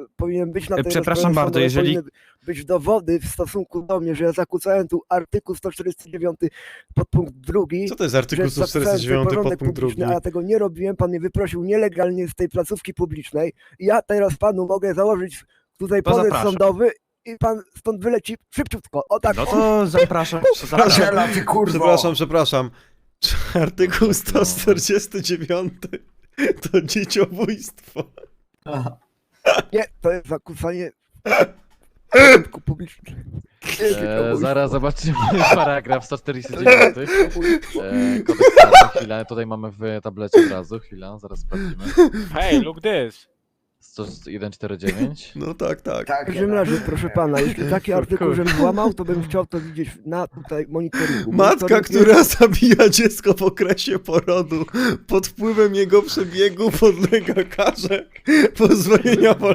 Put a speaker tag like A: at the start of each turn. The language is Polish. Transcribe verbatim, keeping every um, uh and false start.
A: powinien być na tej
B: Przepraszam
A: rozprawie
B: bardzo,
A: sądowej,
B: jeżeli-
A: powinny być dowody w stosunku do mnie, że ja zakłócałem tu artykuł sto czterdzieści dziewięć podpunkt drugi.
C: Co to jest
A: że
C: artykuł sto
A: zapisałem
C: czterdzieści dziewięć
A: sobie porządek
C: podpunkt drugi?
A: publiczny, a ja tego nie robiłem, pan mnie wyprosił nielegalnie z tej placówki publicznej i ja teraz panu mogę założyć tutaj
B: To
A: pozew
B: zapraszam.
A: sądowy i pan stąd wyleci szybciutko, o tak.
B: No
A: o.
B: to zapraszam. zapraszam.
D: Ziela, ty kurwo!
C: Przepraszam, przepraszam. Czy artykuł sto czterdzieści dziewięć to dzieciobójstwo?
D: Aha.
A: Nie, to jest zakłócanie porządku publicznego.
E: E, zaraz zobaczymy paragraf sto czterdzieści dziewięć. E, kodeks karny, chwilę, tutaj mamy w tablecie od razu, chwila, zaraz sprawdzimy.
F: Hey, look this.
E: sto jeden czterdzieści dziewięć.
C: No tak, tak.
D: Tak,
A: W każdym razie, proszę pana, jeśli taki artykuł, żebym złamał, to bym chciał to widzieć na tutaj monitoringu.
C: Matka,
A: Monitoring
C: która zabija dziecko w okresie porodu, pod wpływem jego przebiegu podlega karze pozbawienia wolności.